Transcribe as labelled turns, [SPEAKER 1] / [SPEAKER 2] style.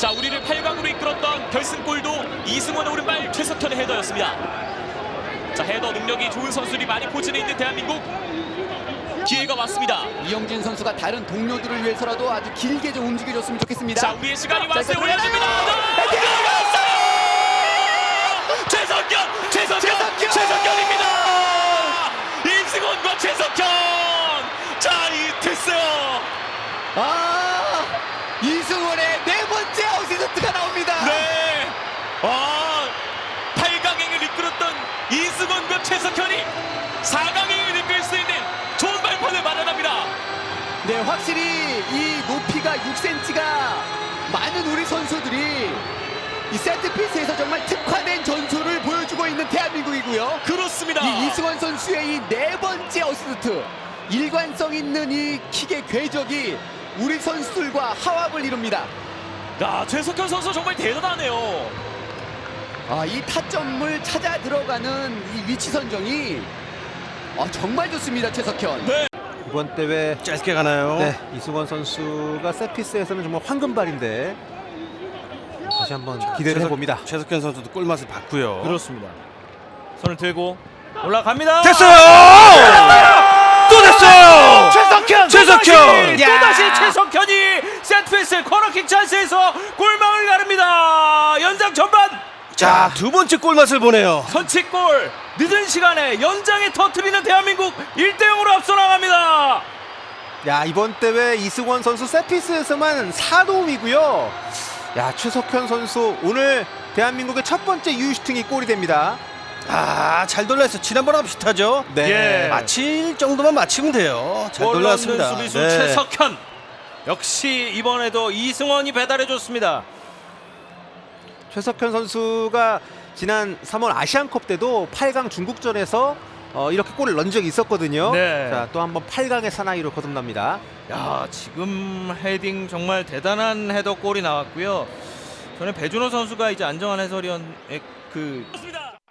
[SPEAKER 1] 자, 우리를 8강으로 이끌었던 결승골도 이승원의 오른발 최석현의 헤더였습니다. 자, 헤더 능력이 좋은 선수들이 많이 포진해 있는 대한민국. 기회가 왔습니다.
[SPEAKER 2] 이영진 선수가 다른 동료들을 위해서라도 아주 길게 좀 움직여줬으면 좋겠습니다.
[SPEAKER 1] 자, 우리의 시간이 왔어요.
[SPEAKER 2] 자,
[SPEAKER 1] 올려줍니다. 최석현입니다. 이승원과 최석현. 자, 이 됐어요.
[SPEAKER 2] 이승원의 네 번째 어시스트가 나옵니다.
[SPEAKER 1] 네. 8강행을 이끌었던 이승원과 최석현이 4강행을 이끌 수 있는 좋은 발판을 마련합니다.
[SPEAKER 2] 네, 확실히 이 높이가 6cm가 많은 우리 선수들이 이 세트피스에서 정말 특화된 전술을 보여주고 있는 대한민국이고요.
[SPEAKER 1] 그렇습니다.
[SPEAKER 2] 이 이승원 선수의 이 네 번째 어시스트, 일관성 있는 이 킥의 궤적이 우리 선수들과 화합을 이룹니다.
[SPEAKER 1] 야, 최석현 선수 정말 대단하네요.
[SPEAKER 2] 이 타점을 찾아 들어가는 이 위치 선정이 정말 좋습니다, 최석현.
[SPEAKER 1] 네.
[SPEAKER 3] 이번 대회
[SPEAKER 4] 짧게 가나요?
[SPEAKER 3] 네, 이승원 선수가 세트피스에서는 정말 황금발인데 다시 한번 기대를 해봅니다.
[SPEAKER 4] 최석현 선수도 꿀맛을 봤고요.
[SPEAKER 1] 그렇습니다. 손을 들고 올라갑니다.
[SPEAKER 4] 됐어요! 또 됐어요! 최석현!
[SPEAKER 1] 또다시 최석현이 세트피스 코너킥 찬스에서 골망을 가릅니다. 연장 전반.
[SPEAKER 4] 자, 두 번째 꿀맛을 보네요.
[SPEAKER 1] 선취골 늦은 시간에 연장에 터뜨리는 대한민국 1대0으로 앞서 나갑니다.
[SPEAKER 3] 야, 이번 대회 이승원 선수 세트피스에서만 4도움이고요. 야, 최석현 선수 오늘 대한민국의 첫 번째 유슈팅이 골이 됩니다.
[SPEAKER 4] 잘 돌려서 지난번하고 비슷하죠?
[SPEAKER 3] 네.
[SPEAKER 1] 예.
[SPEAKER 4] 맞힐 정도만 맞히면 돼요. 잘
[SPEAKER 1] 골 넣는
[SPEAKER 4] 돌렸습니다.
[SPEAKER 1] 수비수
[SPEAKER 4] 네.
[SPEAKER 1] 최석현. 역시 이번에도 이승원이 배달해줬습니다.
[SPEAKER 3] 최석현 선수가 지난 3월 아시안컵 때도 8강 중국전에서 이렇게 골을 넣은 적이 있었거든요.
[SPEAKER 1] 네.
[SPEAKER 3] 자, 또 한번 8강의 사나이로 거듭납니다.
[SPEAKER 1] 야, 지금 헤딩 정말 대단한 헤더 골이 나왔고요. 저는 배준호 선수가 이제 안정환 해설위원의